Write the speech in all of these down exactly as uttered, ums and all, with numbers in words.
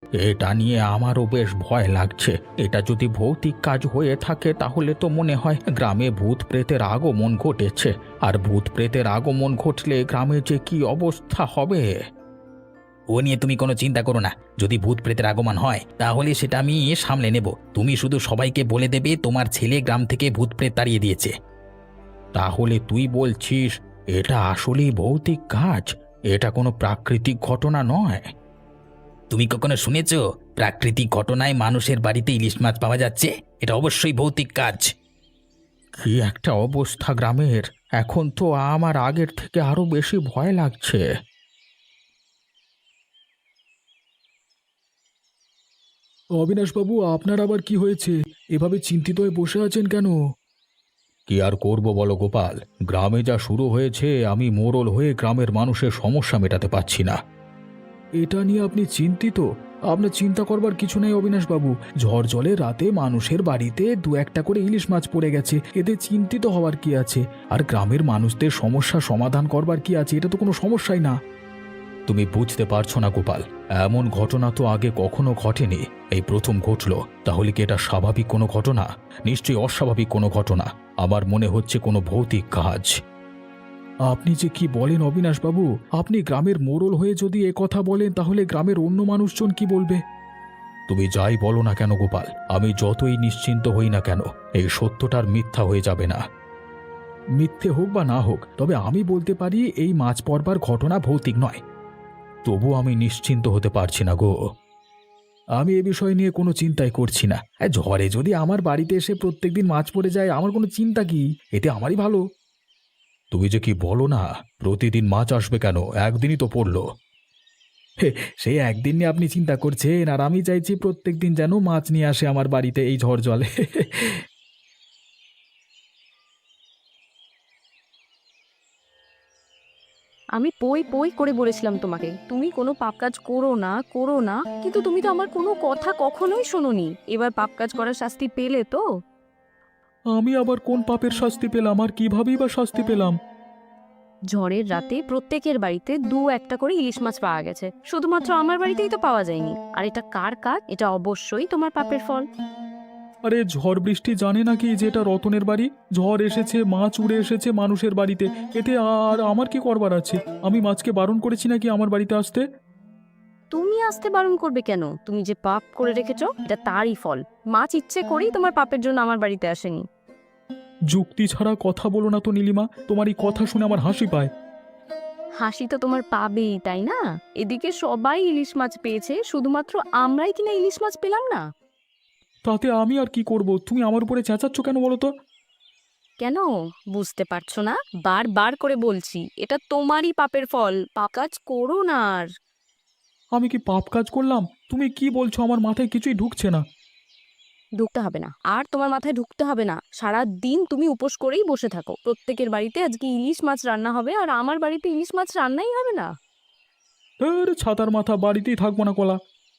এটা নিয়ে আমারও বেশ ভয় লাগছে। এটা যদি ভৌতিক কাজ হয়ে থাকে তাহলে তো মনে হয় গ্রামে ভূত প্রেতের আগমন ঘটেছে। আর ভূত প্রেতের আগমন ঘটলে গ্রামে যে কি অবস্থা হবে! ও নিয়ে তুমি কোনো চিন্তা করো না। যদি ভূত প্রেতের আগমন হয় তাহলে সেটা আমি সামলে নেব। তুমি শুধু সবাইকে বলে দেবে তোমার ছেলে গ্রাম থেকে ভূত প্রেত তাড়িয়ে দিয়েছে। তাহলে তুই বলছিস এটা আসলেই ভৌতিক কাজ? এটা কোনো প্রাকৃতিক ঘটনা নয়? তুমি কখনো শুনেছ প্রাকৃতিক ঘটনায় মানুষের বাড়িতে ইলিশ মাছ পাওয়া যাচ্ছে? এটা অবশ্যই ভৌতিক কাজ। কি একটা অবস্থা গ্রামের! এখন তো আমার আগের থেকে আরো বেশি ভয় লাগছে। অবিনাশবাবু, আপনার আবার কি হয়েছে? এভাবে চিন্তিত হয়ে বসে আছেন কেন? কি আর করব বলো গোপাল, গ্রামে যা শুরু হয়েছে আমি মোড়ল হয়ে গ্রামের মানুষের সমস্যা মেটাতে পারছি না। এটা নিয়ে আপনি চিন্তিত? আপনার চিন্তা করবার কিছু নেই অবিনাশবাবু। ঝড় জলে রাতে মানুষের বাড়িতে দু একটা করে ইলিশ মাছ পড়ে গেছে, এতে চিন্তিত হওয়ার কি আছে? আর গ্রামের মানুষদের সমস্যা সমাধান করবার কি আছে? এটা তো কোনো সমস্যাই না। তুমি বুঝতে পারছো না গোপাল, এমন ঘটনা তো আগে কখনো ঘটেনি, এই প্রথম ঘটলো। তাহলে কি এটা স্বাভাবিক কোনো ঘটনা? নিশ্চয়ই অস্বাভাবিক কোনো ঘটনা। আমার মনে হচ্ছে কোনো ভৌতিক কাজ। আপনি যে কি বলেন অবিনাশবাবু? আপনি গ্রামের মোড়ল হয়ে যদি এ কথা বলেন তাহলে গ্রামের অন্য মানুষজন কি বলবে? তুমি যাই বলো না কেন গোপাল, আমি যতই নিশ্চিন্ত হই না কেন, এই সত্যটার মিথ্যা হয়ে যাবে না। মিথ্যে হোক বা না হোক, তবে আমি বলতে পারি এই মাছ পড়বার ঘটনা ভৌতিক নয়। তবু আমি নিশ্চিন্ত হতে পারছি না গো। আমি এ বিষয় নিয়ে কোনো চিন্তাই করছি না। এ, ঝড়ে যদি আমার বাড়িতে এসে প্রত্যেকদিন মাছ পড়ে যায়, আমার কোনো চিন্তা কি? এতে আমারই ভালো। তুমি যে কি বলো না, প্রতিদিন মাছ আসবে কেন? একদিনই তো পড়লো। হে, সেই একদিন নিয়ে আপনি চিন্তা করছেন, আর আমি চাইছি প্রত্যেকদিন যেন মাছ নিয়ে আসে আমার বাড়িতে এই ঝড় জলে। আমি পই পই করে বলেছিলাম তোমাকে তুমি কোনো পাপ কাজ করো না করো না, কিন্তু তুমি তো আমার কোনো কথা কখনোই শোনোনি। এবার পাপ কাজ করার শাস্তি পেলে তো? আমি আবার কোন পাপের শাস্তি পেলাম, আর কিভাবেই বা শাস্তি পেলাম? ঝড়ের রাতে প্রত্যেকের বাড়িতে দু একটা করে ইলিশ মাছ পাওয়া গেছে, শুধুমাত্র আমার বাড়িতেই তো পাওয়া যায়নি। আর এটা কার কাজ? এটা অবশ্যই তোমার পাপের ফল। আরে ঝড় বৃষ্টি জানে নাকি যে এটা রতনের বাড়ি? ঝড় এসেছে, মাছ উড়ে এসেছে মানুষের বাড়িতে, এতে আর আমার কি করবার আছে? আমি মাছকে বারণ করেছি নাকি আমার বাড়িতে আসতে? তুমি আসতে বারণ করবে কেন? তুমি যে পাপ করে রেখেছো এটা তারই ফল। মাছ ইচ্ছে করেই তোমার পাপের জন্য আমার বাড়িতে আসেনি। যুক্তি ছাড়া কথা বলো না তো নীলিমা, তোমার এই কথা শুনে আমার হাসি পায়। হাসি তো তোমার পাবেই, তাই না? এদিকে সবাই ইলিশ মাছ পেয়েছে, শুধুমাত্র আমরাই কিনা ইলিশ মাছ পেলাম না। তাতে আমি আর কি করব? তুমি আমার উপরে চেঁচাচ্ছ কেন বলো তো? কেন বুঝতে পারছো না? বারবার করে বলছি এটা তোমারই পাপের ফল। পাপ কাজ করো না আর। আমি কি পাপ কাজ করলাম? তুমি কি বলছো? আমার মাথায় কিছুই ঢুকছে না। ঢুকতে হবে না, আর তোমার মাথায় ঢুকতে হবে না। সারা দিন তুমি উপোস করেই বসে থাকো। প্রত্যেকের বাড়িতে আজকে ইলিশ মাছ রান্না হবে, আর আমার বাড়িতে ইলিশ মাছ রান্নাই হবে না। এর ছাতার মাথা, বাড়িতেই থাকবো না কলা।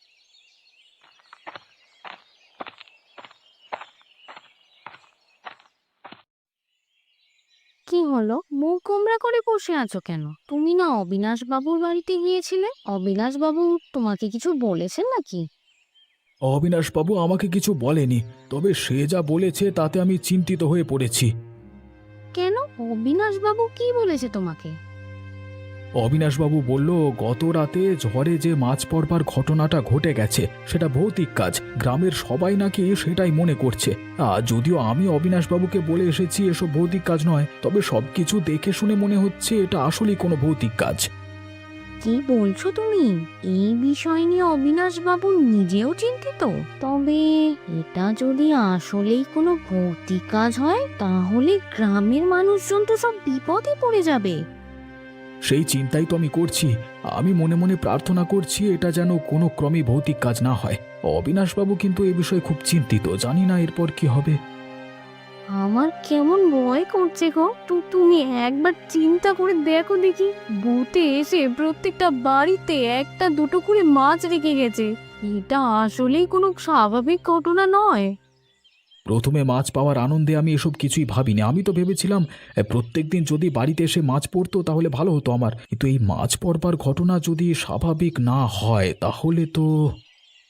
কি হলো, মুখ গোমড়া করে বসে আছো কেন? তুমি না অবিনাশ বাবুর বাড়িতে গিয়েছিলে? অবিনাশ বাবু তোমাকে কিছু বলেছেন নাকি? অবিনাশবাবু আমাকে কিছু বলেনি, তবে সে যা বলেছে তাতে আমি চিন্তিত হয়ে পড়েছি। কেন, অবিনাশ বাবু কি বলেছে তোমাকে? অবিনাশবাবু বলল গত রাতে ঝড়ে যে মাছ পড়বার ঘটনাটা ঘটে গেছে সেটা ভৌতিক কাজ, গ্রামের সবাই নাকি সেটাই মনে করছে। আর যদিও আমি অবিনাশবাবুকে বলে এসেছি এসব ভৌতিক কাজ নয়, তবে সবকিছু দেখে শুনে মনে হচ্ছে এটা আসলেই কোনো ভৌতিক কাজ। কি বলছো তুমি? এই বিষয় নিয়ে অবিনাশ বাবু নিজেও চিন্তিত? তবে এটা যদি আসলেই কোনো ভৌতিক কাজ হয় তাহলে গ্রামের মানুষজন তো সব বিপদে পড়ে যাবে। সেই চিন্তাই তো আমি করছি। আমি মনে মনে প্রার্থনা করছি এটা যেন কোনো ক্রমে ভৌতিক কাজ না হয়। অবিনাশবাবু কিন্তু এ বিষয়ে খুব চিন্তিত, জানি না এরপর কি হবে। আমার কেমন ভয় করছে গো। তু- তুমি একবার চিন্তা করে দেখো দেখি, ভূতে এসে প্রত্যেকটা বাড়িতে একটা দুটো করে মাছ রেখে গেছে। এটা আসলেই কোনো স্বাভাবিক ঘটনা নয়। প্রথমে মাছ পাওয়ার আনন্দে আমি এসব কিছুই ভাবিনি। আমি তো ভেবেছিলাম প্রত্যেকদিন যদি বাড়িতে এসে মাছ পড়তো তাহলে ভালো হতো আমার, কিন্তু এই মাছ পড়বার ঘটনা যদি স্বাভাবিক না হয় তাহলে তো...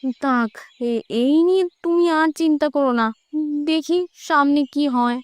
থাক, এ- এই নিয়ে তুমি আর চিন্তা করো না, দেখি সামনে কি হয়।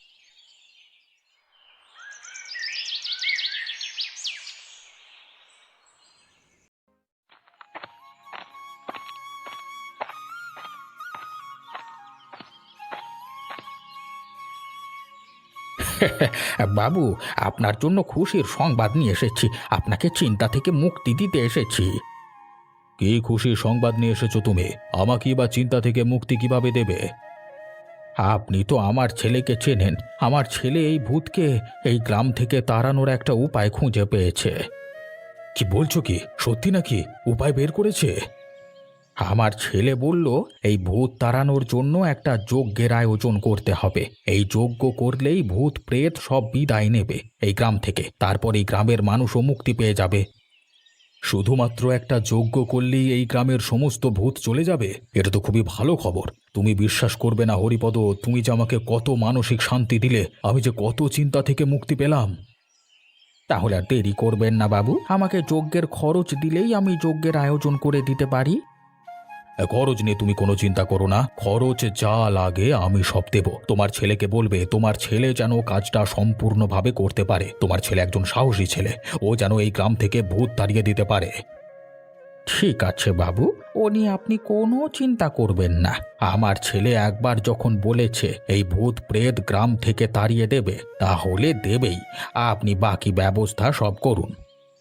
বাবু, আপনার জন্য খুশির সংবাদ নিয়ে এসেছি। আপনাকে চিন্তা থেকে মুক্তি দিতে এসেছি। কি খুশি সংবাদ নিয়ে এসেছো তুমি? আমাকে বা চিন্তা থেকে মুক্তি কিভাবে দেবে? আপনি তো আমার ছেলেকে চেনেন। আমার ছেলে এই ভূতকে এই গ্রাম থেকে তাড়ানোর একটা উপায় খুঁজে পেয়েছে। কি বলছো, কি সত্যি নাকি? উপায় বের করেছে? আমার ছেলে বলল এই ভূত তাড়ানোর জন্য একটা যজ্ঞের আয়োজন করতে হবে। এই যজ্ঞ করলেই ভূত প্রেত সব বিদায় নেবে এই গ্রাম থেকে। তারপর এই গ্রামের মানুষও মুক্তি পেয়ে যাবে। শুধুমাত্র একটা যজ্ঞ করলেই এই গ্রামের সমস্ত ভূত চলে যাবে? এটা তো খুবই ভালো খবর। তুমি বিশ্বাস করবে না হরিপদ, তুমি যে আমাকে কত মানসিক শান্তি দিলে, আমি যে কত চিন্তা থেকে মুক্তি পেলাম। তাহলে আর দেরি করবেন না বাবু, আমাকে যজ্ঞের খরচ দিলেই আমি যজ্ঞের আয়োজন করে দিতে পারি। খরচ নিয়ে তুমি কোনো চিন্তা করো না, খরচ যা লাগে আমি সব দেব। তোমার ছেলেকে বলবে তোমার ছেলে যেন কাজটা সম্পূর্ণভাবে করতে পারে। তোমার ছেলে একজন সাহসী ছেলে, ও যেন এই গ্রাম থেকে ভূত তাড়িয়ে দিতে পারে। ঠিক আছে বাবু, ও নিয়ে আপনি কোনো চিন্তা করবেন না। আমার ছেলে একবার যখন বলেছে এই ভূত প্রেত গ্রাম থেকে তাড়িয়ে দেবে, তাহলে দেবেই। আপনি বাকি ব্যবস্থা সব করুন।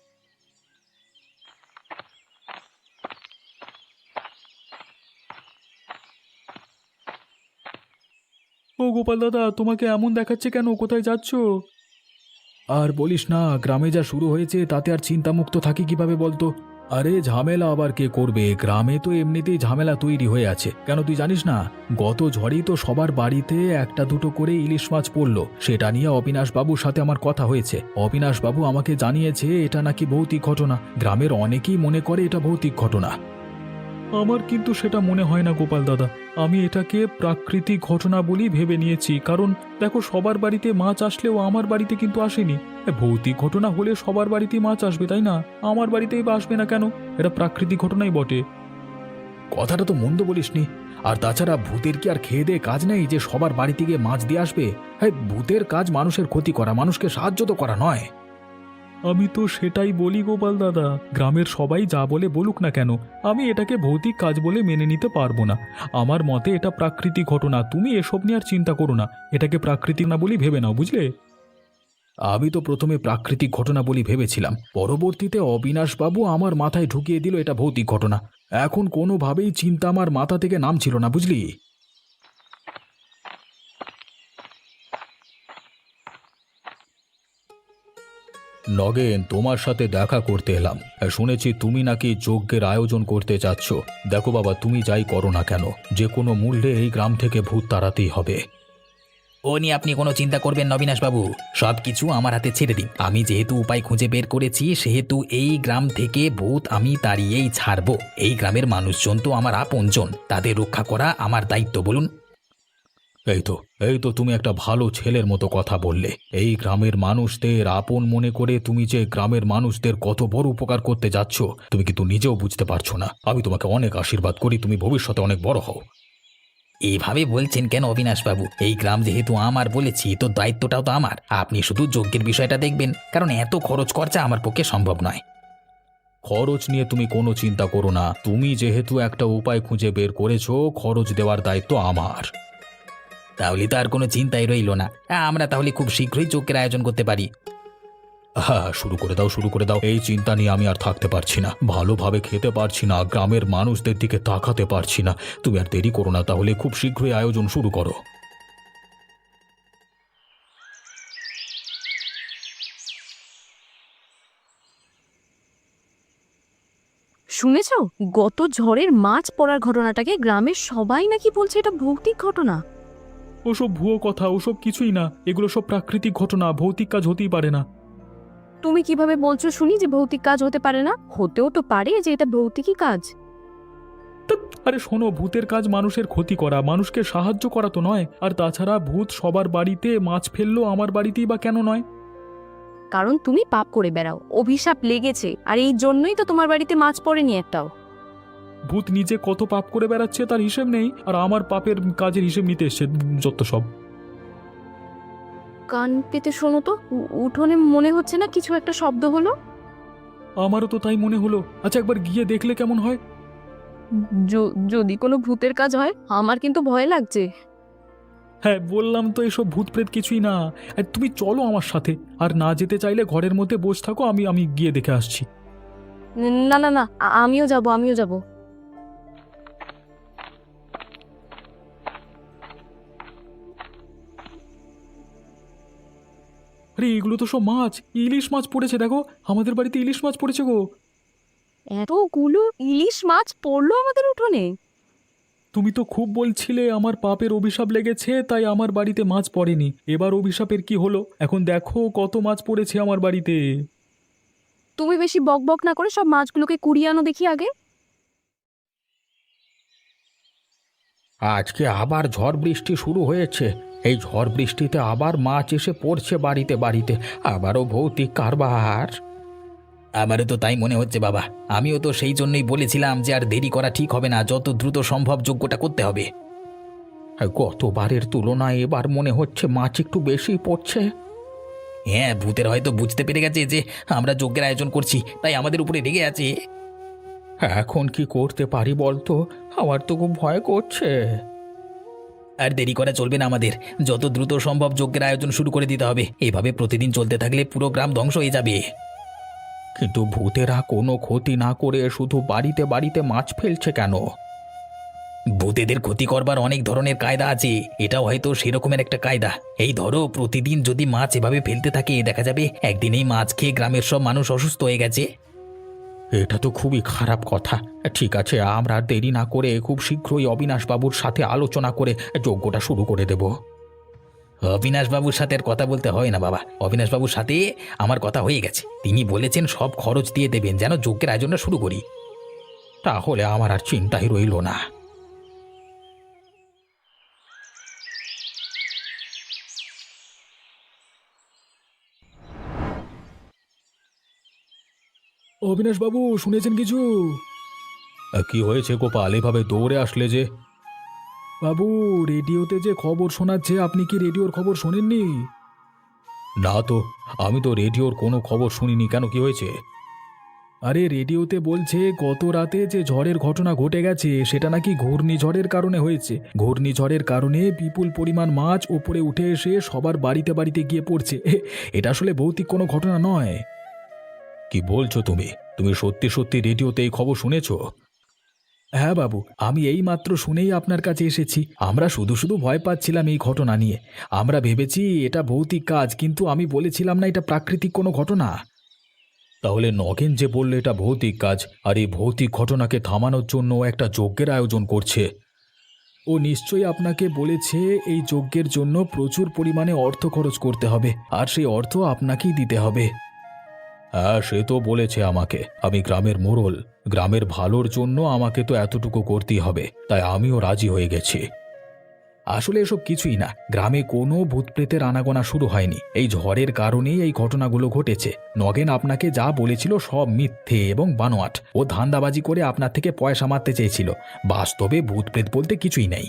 ও গোপাল দাদা, তোমাকে এমন দেখাচ্ছে কেন? কোথায় যাচ্ছ? আর বলিস না, গ্রামে যা শুরু হয়েছে তাতে আর চিন্তামুক্ত থাকি কিভাবে বলতো? আরে ঝামেলা আবার কে করবে? গ্রামে তো এমনিতেই ঝামেলা তৈরি হয়ে আছে। কেন তুই জানিস না? গত ঝড়েই তো সবার বাড়িতে একটা দুটো করে ইলিশ মাছ পড়লো। সেটা নিয়ে অবিনাশ বাবুর সাথে আমার কথা হয়েছে। অবিনাশ বাবু আমাকে জানিয়েছে এটা নাকি ভৌতিক ঘটনা। গ্রামের অনেকেই মনে করে এটা ভৌতিক ঘটনা। আমার কিন্তু সেটা মনে হয় না গোপাল দাদা। আমি এটাকে প্রাকৃতিক ঘটনা বলেই ভেবে নিয়েছি। কারণ দেখো, সবার বাড়িতে মাছ আসলেও আমার বাড়িতে কিন্তু আসেনি। এ, ভৌতিক ঘটনা হলে সবার বাড়িতেই মাছ আসবে, তাই না? আমার বাড়িতেই বা আসবে না কেন? এটা প্রাকৃতিক ঘটনাই বটে। কথাটা তো মন্দ বলিসনি। আর তাছাড়া ভূতের কি আর খেয়ে দিয়ে কাজ নেই যে সবার বাড়িতে গিয়ে মাছ দিয়ে আসবে? হ্যাঁ, ভূতের কাজ মানুষের ক্ষতি করা, মানুষকে সাহায্য তো করা নয়। আমি তো সেটাই বলি গোপাল দাদা। গ্রামের সবাই যা বলে বলুক না কেন, আমি এটাকে ভৌতিক কাজ বলে মেনে নিতে পারবো না। আমার মতে এটা প্রাকৃতিক ঘটনা। তুমি এসব নিয়ে আর চিন্তা করো না। এটাকে প্রাকৃতিক না বলি ভেবে নাও, বুঝলে? আমি তো প্রথমে প্রাকৃতিক ঘটনা বলি ভেবেছিলাম। পরবর্তীতে অবিনাশবাবু আমার মাথায় ঢুকিয়ে দিল এটা ভৌতিক ঘটনা। এখন কোনোভাবেই চিন্তা আমার মাথা থেকে নামছিল না, বুঝলি? নগেন, তোমার সাথে দেখা করতে এলাম। শুনেছি তুমি নাকি যজ্ঞের আয়োজন করতে চাচ্ছ। দেখো বাবা, তুমি যাই করো না কেন, যে কোনো মূল্যে এই গ্রাম থেকে ভূত তাড়াতেই হবে। ও নিয়ে আপনি কোনো চিন্তা করবেন না অবিনাশবাবু, সব কিছু আমার হাতে ছেড়ে দিন। আমি যেহেতু উপায় খুঁজে বের করেছি, সেহেতু এই গ্রাম থেকে ভূত আমি তাড়িয়েই ছাড়বো। এই গ্রামের মানুষজন তো আমার আপনজন, তাদের রক্ষা করা আমার দায়িত্ব। বলুন। এই তো এই তো তুমি একটা ভালো ছেলের মতো কথা বললে। এই গ্রামের মানুষদের আপন মনে করে তুমি যে গ্রামের মানুষদের কত বড় উপকার করতে যাচ্ছ, তুমি কিন্তু নিজেও বুঝতে পারছো না। আমি তোমাকে অনেক আশীর্বাদ করি, তুমি ভবিষ্যতে অনেক বড় হও। এইভাবে বলছেন কেন অবিনাশবাবু? এই গ্রাম যেহেতু আমার বলেছি, তো দায়িত্বটাও তো আমার। আপনি শুধু যজ্ঞের বিষয়টা দেখবেন, কারণ এত খরচ খরচা আমার পক্ষে সম্ভব নয়। খরচ নিয়ে তুমি কোনো চিন্তা করো না। তুমি যেহেতু একটা উপায় খুঁজে বের করেছো, খরচ দেওয়ার দায়িত্ব আমার। তাহলে তো আর কোনো চিন্তাই রইল না। আমরা তাহলে খুব শীঘ্রই যজ্ঞের আয়োজন করতে পারি। হ্যাঁ, শুরু করে দাও, শুরু করে দাও। এই চিন্তা নিয়ে আমি আর থাকতে পারছি না। ভালোভাবে খেতে পারছি না, গ্রামের মানুষদের দিকে তাকাতে পারছি না। তুমি আর দেরি করো না, তাহলে খুব শীঘ্রই আয়োজন শুরু করো। শুনেছো, গত ঝড়ের মাছ পড়ার ঘটনাটাকে গ্রামের সবাই নাকি বলছে এটা ভৌতিক ঘটনা। ওসব ভুয়ো কথা, ওসব কিছুই না। এগুলো সব প্রাকৃতিক ঘটনা, ভৌতিক কাজ হতেই পারে না। তুমি কিভাবে বলছো শুনি যে ভৌতিক কাজ হতে পারে না? হতেও তো পারে যে এটা ভৌতিকই কাজ। আরে শোনো, ভূতের কাজ মানুষের ক্ষতি করা, মানুষকে সাহায্য করা তো নয়। আর তাছাড়া ভূত সবার বাড়িতে মাছ ফেললো, আমার বাড়িতেই বা কেন নয়? কারণ তুমি পাপ করে বেড়াও, অভিশাপ লেগেছে, আর এই জন্যই তো তোমার বাড়িতে মাছ পড়েনি একটাও। ভূত নিজে কত পাপ করে বেড়াচ্ছে তার হিসেব নেই, আর আমার পাপের কাজের হিসেব নিতে এসছে যত সব। কান পেতে শোনো তো, উ- উঠোনে মনে হচ্ছে না কিছু একটা শব্দ হলো? আমারও তো তাই মনে হলো। আচ্ছা একবার গিয়ে দেখলে কেমন হয়? য- যদি কোনো ভূতের কাজ হয় আমার কিন্তু ভয় লাগছে। হ্যাঁ বললাম তো এসব ভূত প্রেত কিছুই না। আর তুমি চলো আমার সাথে, আর না যেতে চাইলে ঘরের মধ্যে বসে থাকো, আমি আমি গিয়ে দেখে আসছি। না না না, আ- আমিও যাব আমিও যাব। আরে এগুলো তো সব মাছ, ইলিশ মাছ পড়েছে, দেখো আমাদের বাড়িতে ইলিশ মাছ পড়েছে গো। এতগুলো ইলিশ মাছ পড়লো আমাদের উঠোনে? তুমি তো খুব বলছিলে আমার পাপের অভিশাপ লেগেছে তাই আমার বাড়িতে মাছ পড়েনি, এবার অভিশাপের কি হলো এখন দেখো কত মাছ পড়েছে আমার বাড়িতে। তুমি বেশি বক বক না করে সব মাছগুলোকে কুড়িয়ে আনো দেখি আগে। আজকে আবার ঝড় বৃষ্টি শুরু হয়েছে। এই ঝড় বৃষ্টিতে আবার মাছ এসে পড়ছে বাড়িতে বাড়িতে, আবারও ভৌতিক কারবার। আমারও তো তাই মনে হচ্ছে বাবা। আমিও তো সেই জন্যই বলেছিলাম যে আর দেরি করা ঠিক হবে না, যত দ্রুত সম্ভব যজ্ঞটা করতে হবে। গতবারের তুলনায় এবার মনে হচ্ছে মাছ একটু বেশি পড়ছে। হ্যাঁ, ভূতের হয়তো বুঝতে পেরে গেছে যে আমরা যজ্ঞের আয়োজন করছি, তাই আমাদের উপরে রেগে আছে। এখন কি করতে পারি বলতো? আমার তো খুব ভয় করছে। আর দেরি করা চলবে না আমাদের, যত দ্রুত সম্ভব যজ্ঞের আয়োজন শুরু করে দিতে হবে। এভাবে প্রতিদিন চলতে থাকলে পুরো গ্রাম ধ্বংস হয়ে যাবে। কিন্তু ভূতেরা কোনো ক্ষতি না করে শুধু বাড়িতে বাড়িতে মাছ ফেলছে কেন? ভূতেদের ক্ষতি করবার অনেক ধরনের কায়দা আছে, এটাও হয়তো সেরকমের একটা কায়দা। এই ধরো, প্রতিদিন যদি মাছ এভাবে ফেলতে থাকে, দেখা যাবে একদিন এই মাছ খেয়ে গ্রামের সব মানুষ অসুস্থ হয়ে গেছে। এটা তো খুবই খারাপ কথা। ঠিক আছে, আমরা আর দেরি না করে খুব শীঘ্রই অবিনাশবাবুর সাথে আলোচনা করে যজ্ঞটা শুরু করে দেব। অবিনাশবাবুর সাথে আর কথা বলতে হয় না বাবা, অবিনাশবাবুর সাথে আমার কথা হয়ে গেছে। তিনি বলেছেন সব খরচ দিয়ে দেবেন যেন যজ্ঞের আয়োজনটা শুরু করি। তাহলে আমার আর চিন্তাই রইল না। অবিনাশবাবু শুনেছেন কিছু? কি হয়েছে গোপাল, এভাবে দৌড়ে আসলে যে? বাবু, রেডিওতে যে খবর শোনাচ্ছে, আপনি কি রেডিওর খবর শোনেননি? না তো, আমি তো রেডিওর কোনো খবর শুনিনি। কেন, কি হয়েছে? আরে রেডিওতে বলছে গত রাতে যে ঝড়ের ঘটনা ঘটে গেছে সেটা নাকি ঘূর্ণিঝড়ের কারণে হয়েছে। ঘূর্ণিঝড়ের কারণে বিপুল পরিমাণ মাছ ওপরে উঠে এসে সবার বাড়িতে বাড়িতে গিয়ে পড়ছে। এটা আসলে ভৌতিক কোনো ঘটনা নয়। কি বলছো তুমি? তুমি সত্যি সত্যি রেডিওতে এই খবর শুনেছো? হ্যাঁ বাবু, আমি এই মাত্র শুনেই আপনার কাছে এসেছি। আমরা শুধু শুধু ভয় পাচ্ছিলাম এই ঘটনা নিয়ে। আমরা ভেবেছি এটা ভৌতিক কাজ, কিন্তু আমি বলেছিলাম না এটা প্রাকৃতিক কোনো ঘটনা। তাহলে নগেন যে বললে এটা ভৌতিক কাজ, আর এই ভৌতিক ঘটনাকে থামানোর জন্য ও একটা যজ্ঞের আয়োজন করছে। ও নিশ্চয়ই আপনাকে বলেছে এই যজ্ঞের জন্য প্রচুর পরিমাণে অর্থ খরচ করতে হবে, আর সেই অর্থ আপনাকেই দিতে হবে। হ্যাঁ, সে তো বলেছে আমাকে। আমি গ্রামের মোড়ল, গ্রামের ভালোর জন্য আমাকে তো এতটুকু করতেই হবে, তাই আমিও রাজি হয়ে গেছি। আসলে এসব কিছুই না, গ্রামে কোনো ভূতপ্রেতের আনাগোনা শুরু হয়নি। এই ঝড়ের কারণেই এই ঘটনাগুলো ঘটেছে। নগেন আপনাকে যা বলেছিল সব মিথ্যে এবং বানোয়াট। ও ধান্দাবাজি করে আপনার থেকে পয়সা মারতে চেয়েছিল। বাস্তবে ভূতপ্রেত বলতে কিছুই নেই।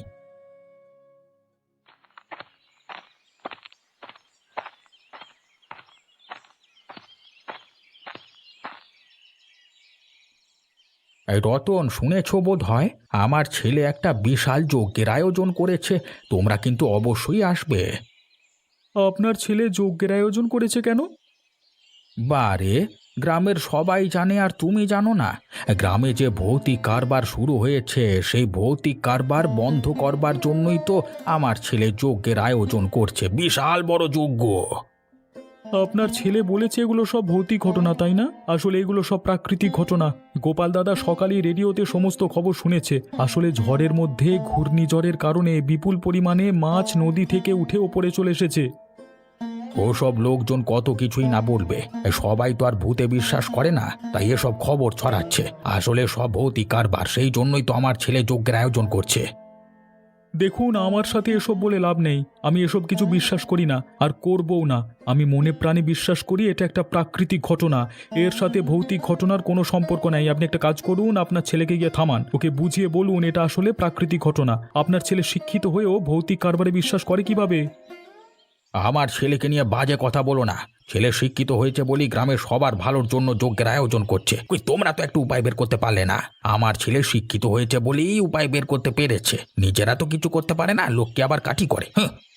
এই রতন, শুনেছ বোধ হয় আমার ছেলে একটা বিশাল যজ্ঞের আয়োজন করেছে। তোমরা কিন্তু অবশ্যই আসবে। আপনার ছেলে যজ্ঞের আয়োজন করেছে কেন? বারে, গ্রামের সবাই জানে আর তুমি জানো না? গ্রামে যে ভৌতিক কারবার শুরু হয়েছে, সেই ভৌতিক কারবার বন্ধ করবার জন্যই তো আমার ছেলে যজ্ঞের আয়োজন করছে, বিশাল বড় যজ্ঞ। আপনার ছেলে বলেছে এগুলো সব ভৌতিক ঘটনা, তাই না? আসলে এগুলো সব প্রাকৃতিক ঘটনা। গোপাল দাদা সকালেই রেডিওতে সমস্ত খবর শুনেছে। আসলে ঝড়ের মধ্যে ঘূর্ণিঝড়ের কারণে বিপুল পরিমাণে মাছ নদী থেকে উঠে ওপরে চলে এসেছে। ওসব লোকজন কত কিছুই না বলবে, সবাই তো আর ভূতে বিশ্বাস করে না, তাই এসব খবর ছড়াচ্ছে। আসলে সব ভৌতিক কারবার, সেই জন্যই তো আমার ছেলে যজ্ঞের আয়োজন করছে। দেখুন, আমার সাথে এসব বলে লাভ নেই। আমি এসব কিছু বিশ্বাস করি না, আর করবও না। আমি মনে প্রাণে বিশ্বাস করি এটা একটা প্রাকৃতিক ঘটনা। এর সাথে ভৌতিক ঘটনার কোনো সম্পর্ক নাই। আপনি একটা কাজ করুন, আপনার ছেলেকে গিয়ে থামান, ওকে বুঝিয়ে বলুন এটা আসলে প্রাকৃতিক ঘটনা। আপনার ছেলে শিক্ষিত হয়েও ভৌতিক কারবারে বিশ্বাস করে কিভাবে? আমার ছেলেকে নিয়ে বাজে কথা বলো না। ছেলে শিক্ষিত হয়েছে বলি গ্রামের সবার ভালোর জন্য যজ্ঞের আয়োজন করছে। কই তোমরা তো একটু উপায় বের করতে পারলে না? আমার ছেলে শিক্ষিত হয়েছে বলেই উপায় বের করতে পেরেছে, নিজেরা তো কিছু করতে পারে না, লোককে আবার কাঠি করে। হ্যাঁ।